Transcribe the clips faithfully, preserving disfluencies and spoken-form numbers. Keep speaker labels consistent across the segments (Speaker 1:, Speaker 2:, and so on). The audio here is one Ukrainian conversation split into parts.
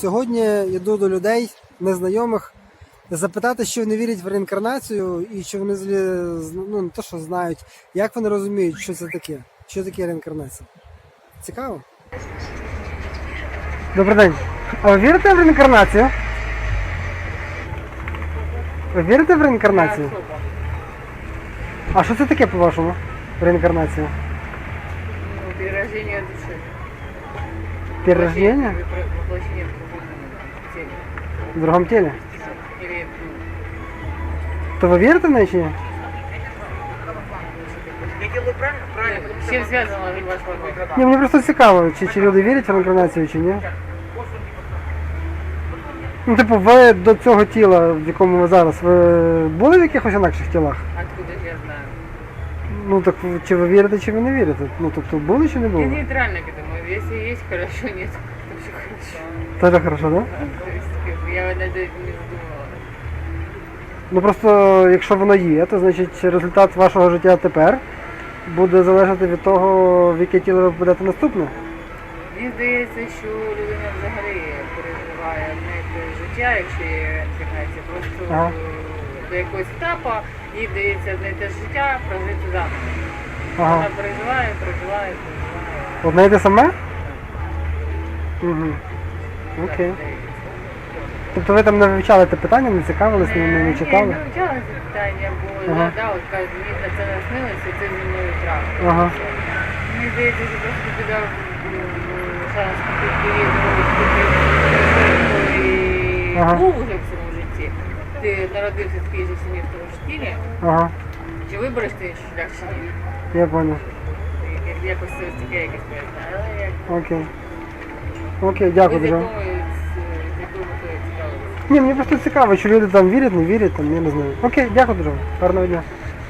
Speaker 1: Сьогодні йду до людей, незнайомих, запитати, що вони вірять в реінкарнацію і чи вони взагалі, ну, не то, що знають, як вони розуміють, що це таке, що таке реінкарнація. Цікаво? Добрий день. А ви вірите в реінкарнацію? Ви вірите в реінкарнацію? А що це таке, по-вашому, реінкарнація?
Speaker 2: Ну, перерождение души.
Speaker 1: Перерождение?
Speaker 2: Воплощение в другом теле.
Speaker 1: В другому тілі?
Speaker 2: Или,
Speaker 1: То ви вірите в неї чи ні?
Speaker 2: с чем связано ваш вопрос?
Speaker 1: Ні, мені просто цікаво, чи, чи люди вірять в реінкарнацію чи ні. Ну, типу, ви до цього тіла, в якому ви зараз, ви були в якихось інакших тілах?
Speaker 2: Откуда же я знаю?
Speaker 1: Ну так чи ви вірите, чи ви не вірите? Ну тобто були чи не
Speaker 2: Я
Speaker 1: були?
Speaker 2: нейтрально к этому. Если есть, хорошо, нет, то все хорошо.
Speaker 1: Теж хорошо, так? Да?
Speaker 2: То есть, как бы, я над этим не задумывалась.
Speaker 1: Ну просто якщо воно є, то значить результат вашого життя тепер буде залежати від того, в яке тіло ви попадете наступне.
Speaker 2: Мені здається, що людина взагалі переживає не те життя, якщо є реінкарнація, просто
Speaker 1: Ага.
Speaker 2: до якогось етапу їй вдається знайти життя, прожити заново.
Speaker 1: Ага.
Speaker 2: Вона переживає, переживає, переживає.
Speaker 1: Одне й те саме? Угу. Окей.
Speaker 2: Так, здається.
Speaker 1: Тобто ви там не вивчали те питання, не цікавились, не, не, не
Speaker 2: Ні,
Speaker 1: читали?
Speaker 2: не вивчала це питання, бо
Speaker 1: Ага.
Speaker 2: да, от кажуть, мені на це наснилося, це зі мною трапилося.
Speaker 1: Ага.
Speaker 2: Мені здається, що просто ти дав шанс купити і
Speaker 1: Ага.
Speaker 2: був уже в цьому житті. Ти народився в такій же сім'ї в тому ж тілі,
Speaker 1: Ага,
Speaker 2: чи вибереш ти шлях чи ні?
Speaker 1: я понял.
Speaker 2: Як- Якось це ось таке якесь пояснення. Але як
Speaker 1: Окей. Окей,
Speaker 2: ви
Speaker 1: дякую
Speaker 2: з
Speaker 1: дуже.
Speaker 2: якою з якою метою цікавилися?
Speaker 1: Ні, мені просто цікаво, чи люди там вірять, не вірять, там, я не знаю. Окей, дякую дуже. Гарного дня.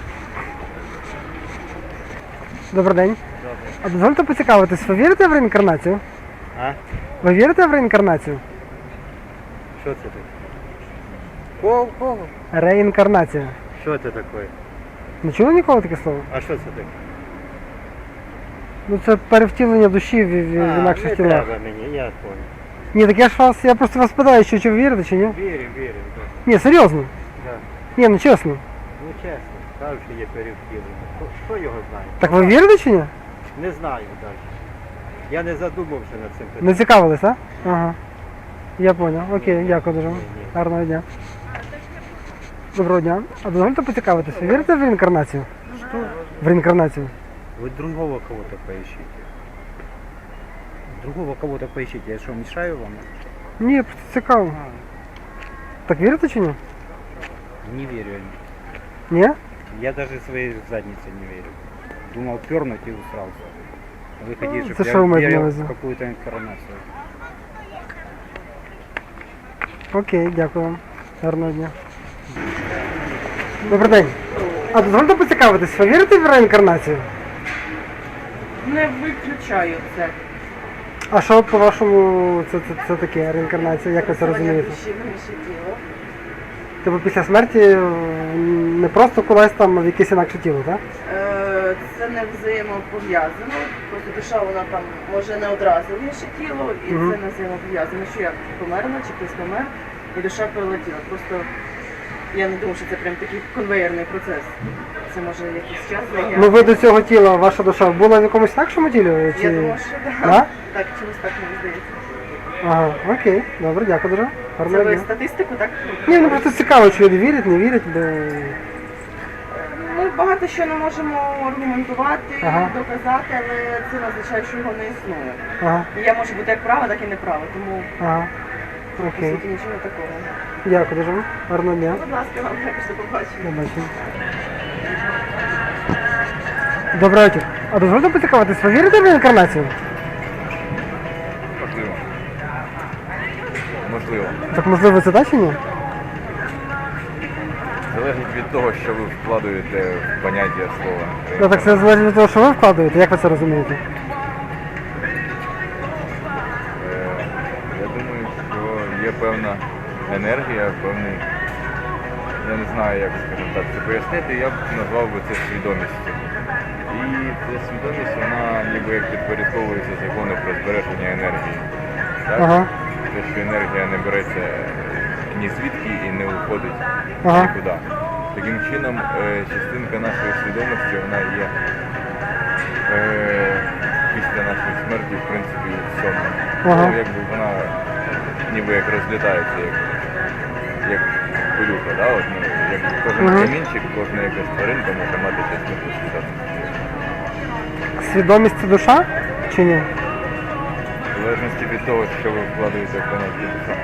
Speaker 1: Добрий день. А дозвольте поцікавитись, ви вірите в реінкарнацію?
Speaker 3: А?
Speaker 1: Ви вірите в реінкарнацію?
Speaker 3: Що це таке? Кого? Кого?
Speaker 1: Реінкарнація.
Speaker 3: Що це таке?
Speaker 1: Не чули ніколи таке слово?
Speaker 3: А що це таке?
Speaker 1: Ну це перевтілення душі в, в, в
Speaker 3: А,
Speaker 1: інакших
Speaker 3: не
Speaker 1: тілах.
Speaker 3: треба мені, я понял.
Speaker 1: Ні, так я ж вас, я просто вас питаю, що чи ви вірите, чи ні?
Speaker 3: Вірю, вірю, так.
Speaker 1: Ні, серйозно.
Speaker 3: Да.
Speaker 1: Ні, ну чесно.
Speaker 3: Ну чесно, кажуть, що є перевтілення. Хто, хто його знає?
Speaker 1: Так ви вірите чи ні?
Speaker 3: Не знаю навіть. Я не задумався над цим питанням.
Speaker 1: Не цікавились, а? Ага. Я понял. Окей, дякую дуже.
Speaker 3: Ні, ні.
Speaker 1: Гарного дня. Доброго дня. А дозвольте поцікавитися, ви вірите в реінкарнацію?
Speaker 3: Що?
Speaker 1: В реінкарнацію?
Speaker 3: Вы другого кого-то поищите. Другого кого-то поищите. Я что, мешаю вам?
Speaker 1: Ні, просто цікаво. Так вірите чи ні?
Speaker 3: Не верю.
Speaker 1: Ні?
Speaker 3: Я даже своей заднице не верю. Думал пернуть и усрался. А вы хотите,
Speaker 1: это
Speaker 3: чтобы
Speaker 1: что вы
Speaker 3: я
Speaker 1: имеете на
Speaker 3: верил
Speaker 1: увазі?
Speaker 3: в какую-то информацию.
Speaker 1: Окей, дякую вам. Гарного дня. Добрий день. А дозвольте поцікавитись, ви вірите в реінкарнацію?
Speaker 2: Не виключаю це.
Speaker 1: А що по-вашому це, це, це таке реінкарнація? Як ви це розумієте? Тобто після смерті е, не просто кудись там в якесь інакше тіло, так?
Speaker 4: Е, Це не взаємопов'язано. Просто душа вона там може не одразу в інше тіло, і
Speaker 1: Мгм.
Speaker 4: це не взаємопов'язано. Що я померла, чи хтось помер, і душа перелетіла. Просто я не думаю, що це прям такий конвейерний процес. Це може якийсь час зайняти.
Speaker 1: Ну ви до цього тіла, ваша душа була в якомусь інакшому тілі? Чи...
Speaker 4: Я думаю, що так.
Speaker 1: Да?
Speaker 4: Так, чомусь так мені здається.
Speaker 1: Ага, окей, добре, дякую дуже.
Speaker 4: Це
Speaker 1: Гарного
Speaker 4: ви
Speaker 1: дня.
Speaker 4: статистику, так?
Speaker 1: Ні, ну просто цікаво, чи люди вірять, не вірять, бо...
Speaker 4: Ми багато що не можемо аргументувати,
Speaker 1: Ага.
Speaker 4: доказати, але це не означає, що його не існує.
Speaker 1: Ага,
Speaker 4: І я можу бути як права, так і неправа, тому
Speaker 1: ага.
Speaker 4: по
Speaker 1: Окей.
Speaker 4: суті нічого такого.
Speaker 1: Дякую дуже. Гарного дня.
Speaker 4: Будь ласка, вам також до побачення.
Speaker 1: До бачення. Добрий вечір. А дозвольте поцікавитись, ви вірите в реінкарнацію?
Speaker 5: Можливо. Можливо.
Speaker 1: Так можливо це так чи ні?
Speaker 5: Залежить від того, що ви вкладаєте в поняття слова.
Speaker 1: Ну так це залежить від того, що ви вкладаєте, як ви це розумієте?
Speaker 5: Е, Я думаю, що є певна енергія, певний, я не знаю, як, скажімо так, це пояснити, я б назвав би це свідомістю. І ця свідомість, вона ніби як підпорядковується закону про збереження енергії. Так?
Speaker 1: Ага.
Speaker 5: те, що енергія не береться ні звідки і не уходить
Speaker 1: Ага.
Speaker 5: нікуди. Таким чином, е, частинка нашої свідомості, вона є е, після нашої смерті, в принципі, в цьому.
Speaker 1: Ага.
Speaker 5: Ну, якби вона ніби як розлітається, як, як пилюка, да? От, ну, як кожен
Speaker 1: Ага.
Speaker 5: камінчик, кожна якась тваринка може мати частинку свідомості.
Speaker 1: Свідомість це душа чи ні?
Speaker 5: В залежності від того, що ви вкладаєте в поняття душа.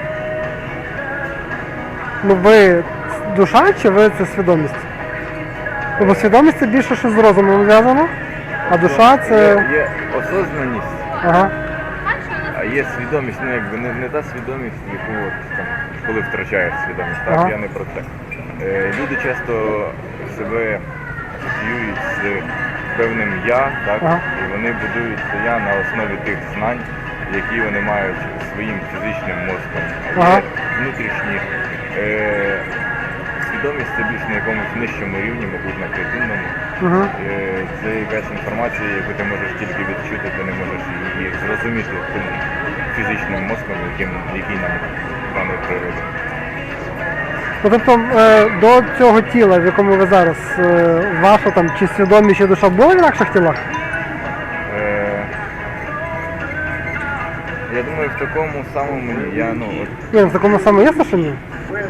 Speaker 1: Ну ви душа чи ви це свідомість? Ну, бо свідомість це більше що з розумом зв'язано, а душа це.
Speaker 5: Є, є осознаність,
Speaker 1: Ага.
Speaker 5: а є свідомість, ну якби не, не та свідомість, яку от, там, коли втрачаєш свідомість. Так,
Speaker 1: Ага.
Speaker 5: я не про це. Е, люди часто себе асоціюють з певним я, так,
Speaker 1: Ага.
Speaker 5: і вони будують це я на основі тих знань, які вони мають своїм фізичним мозком. А
Speaker 1: Ага.
Speaker 5: є внутрішні е, свідомість це більш на якомусь нижчому рівні, мабуть, на клітинному.
Speaker 1: Угу.
Speaker 5: Е, Це якась інформація, яку ти можеш тільки відчути, ти не можеш її зрозуміти тим фізичним мозком, яким, який нам дано природа.
Speaker 1: Ну, тобто е, до цього тіла, в якому ви зараз, е, ваша там чи свідомість, чи душа була в інакших тілах?
Speaker 5: Е, Я думаю, в такому самому я, ну, от,
Speaker 1: Ні, в такому самому є, що ні?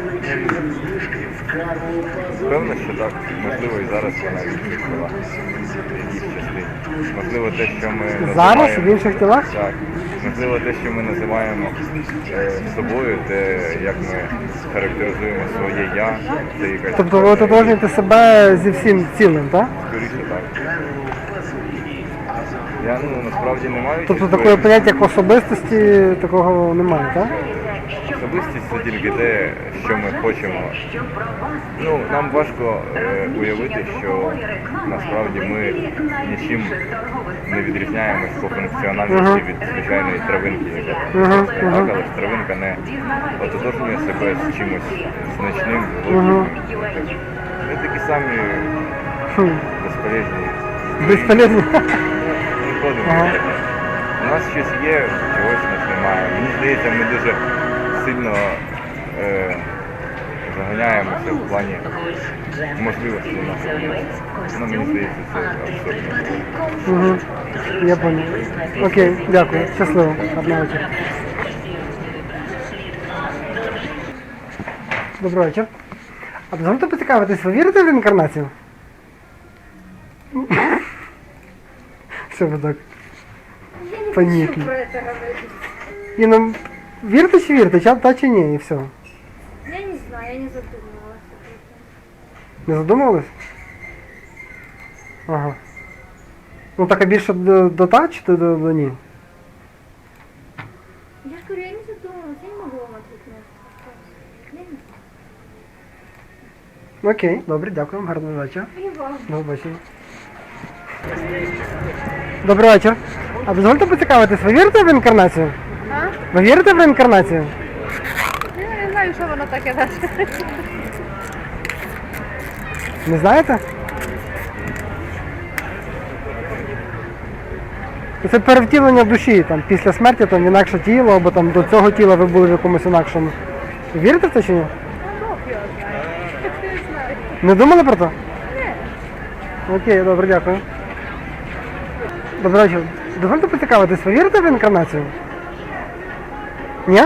Speaker 5: певно, що так, можливо, і зараз вона відчула в якійсь частині. Можливо, те, що ми
Speaker 1: Зараз
Speaker 5: називаємо...
Speaker 1: в інших тілах?
Speaker 5: Так. Можливо, те, що ми називаємо е, собою, те, як ми характеризуємо своє я, це якась...
Speaker 1: Тобто ви ототожнюєте себе зі всім цілим, так?
Speaker 5: Скоріше так. Я, ну, насправді не маю...
Speaker 1: Тобто
Speaker 5: чіткої
Speaker 1: такого поняття, як особистості, такого немає, так?
Speaker 5: Особистість це тільки те, що ми хочемо. Ну, нам важко е, уявити, що насправді ми нічим не відрізняємось по функціональності
Speaker 1: Ага.
Speaker 5: від звичайної травинки, яка там
Speaker 1: Ага,
Speaker 5: росте,
Speaker 1: ага.
Speaker 5: так, але ж травинка не ототожнює себе з чимось значним,
Speaker 1: Ага.
Speaker 5: глибоким. Ми такі самі
Speaker 1: Хм.
Speaker 5: безполезні.
Speaker 1: Безполезно.
Speaker 5: Не ходимо.
Speaker 1: Ага.
Speaker 5: У нас щось є, чогось у нас немає. Мені здається, ми дуже сильно е, заганяємося в плані можливостей нашого мозку. Ну, мені здається, це абсурдно.
Speaker 1: Угу. Я понял. Окей, дякую. Щасливо. Гарного вечора. Добрий вечір. А дозвольте поцікавитись, ви вірите в реінкарнацію? Що ви так? Понятно.
Speaker 2: Про это говорить.
Speaker 1: Ні, ну, вірите чи вірите, ча- та чи ні, і все.
Speaker 2: Я не знаю, я не задумывалась об этом.
Speaker 1: Не задумувались? Ага. Ну так а більше до, до та чи до, до, до ні?
Speaker 2: Я же говорю, я не задумывалась, я не могу вам ответить на этот вопрос. Я не знаю.
Speaker 1: Окей, добре, дякую, гарного вечора.
Speaker 2: И вам.
Speaker 1: До побачення. Добрий вечір. А дозвольте поцікавитись, ви вірите в реінкарнацію?
Speaker 2: А?
Speaker 1: Ви вірите в реінкарнацію?
Speaker 2: Я не знаю, що воно таке далі.
Speaker 1: Не знаєте? Це перевтілення душі, там, після смерті там, в інакше тіло, або там, до цього тіла ви були в якомусь інакшому. Ви вірите в це чи ні?
Speaker 2: Бог його знає. Не знаю.
Speaker 1: Не думали про це? Ні. Окей, добре, дякую. Добрий вечір. Дозвольте поцікавитись, ви вірите в реінкарнацію? Ні?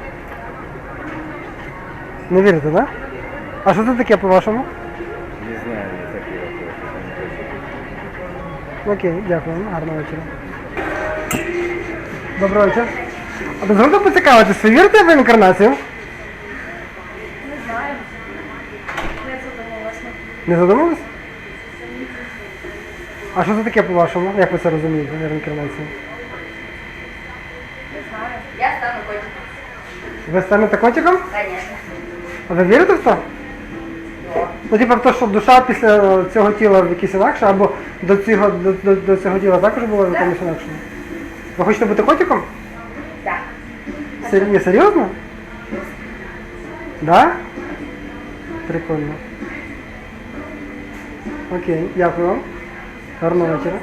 Speaker 1: Не вірите, так? А що це таке по-вашому?
Speaker 5: Не знаю, не такий вопрос.
Speaker 1: Окей, дякую. Гарного вечора. Доброго вечора. А дозвольте поцікавитись, ви вірите в реінкарнацію?
Speaker 2: Не знаю. Не задумалась.
Speaker 1: Не задумались? А що це таке по-вашому? Як ви це розумієте, реінкарнацію?
Speaker 2: Не знаю. Я стану котиком.
Speaker 1: Ви станете котиком?
Speaker 2: Конечно.
Speaker 1: А ви вірите в це? Ну, типу в те, що душа після цього тіла в якесь інакше, або до цього, до, до, до цього тіла також була в якомусь інакшому? Ви хочете бути котиком?
Speaker 2: Так.
Speaker 1: Сер... Ні, серйозно? Да? Прикольно. Окей, дякую вам. Гарного вечора.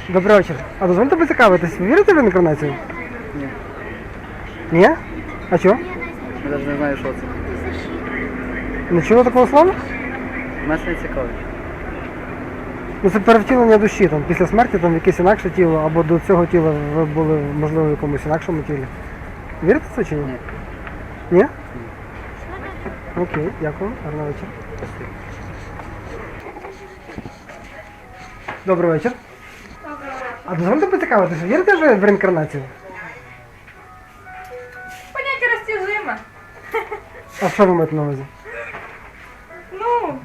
Speaker 1: Добрий вечір. А дозвольте поцікавитись, ви вірите в реінкарнацію?
Speaker 6: Ні.
Speaker 1: Ні? А чого?
Speaker 6: Я навіть не знаю, що це.
Speaker 1: Не чули такого слова?
Speaker 6: Мене це не цікавить.
Speaker 1: Ну це перевтілення душі, там, після смерті там, в якесь інакше тіло, або до цього тіла ви були, можливо, в якомусь інакшому тілі. Вірите в це чи ні?
Speaker 6: Ні.
Speaker 1: Ні? Окей, дякую. Гарного вечора. Добрий вечір. А дозвольте поцікавитися, вірите ви в реінкарнацію?
Speaker 2: Поняття розтяжиме.
Speaker 1: А що ви маєте на увазі?
Speaker 2: Ну,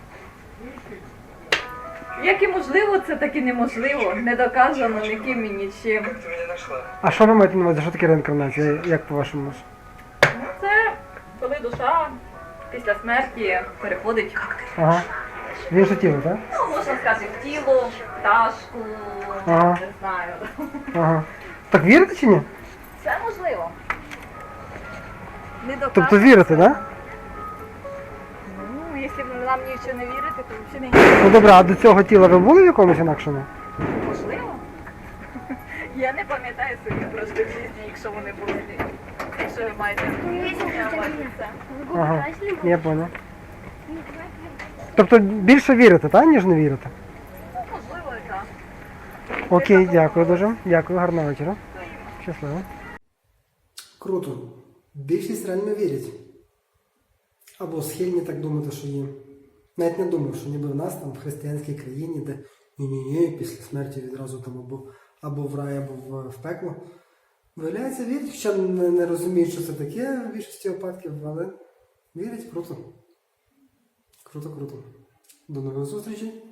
Speaker 2: як і можливо, це так і неможливо. Не доказано ніким і нічим.
Speaker 1: А що ви маєте на увазі? Що таке реінкарнація? Як по-вашому?
Speaker 2: Ну, це коли душа після смерті переходить,
Speaker 1: Ага. В інше тіло, так?
Speaker 2: ну, можна сказати, в тіло, в пташку,
Speaker 1: Ага.
Speaker 2: не знаю.
Speaker 1: Ага. Так вірите чи ні?
Speaker 2: Це можливо. Не доказано.
Speaker 1: Тобто вірите, так?
Speaker 2: Ну, якщо б нам нічого не вірити, то взагалі не
Speaker 1: Ну добре, а до цього тіла ви були в якомусь інакшому?
Speaker 2: можливо. Я не пам'ятаю собі просто в житті, якщо вони були. Якщо ви маєте це.
Speaker 1: Ага, я понял. Тобто більше вірите, так, ніж не вірите?
Speaker 2: Ну, можливо, і так.
Speaker 1: Окей, дякую дуже. Дякую, гарного вечора. Щасливо. Круто. Більшість реально вірять. Або схильні так думати, що є. Навіть не думав, що ніби в нас там в християнській країні, де ні-ні-ні, після смерті відразу там або, або в рай, або в, в пекло. Виявляється, вірять, хоча не, не розуміють, що це таке в більшості випадків, але вірять, круто. Круто, круто. До нових зустрічей.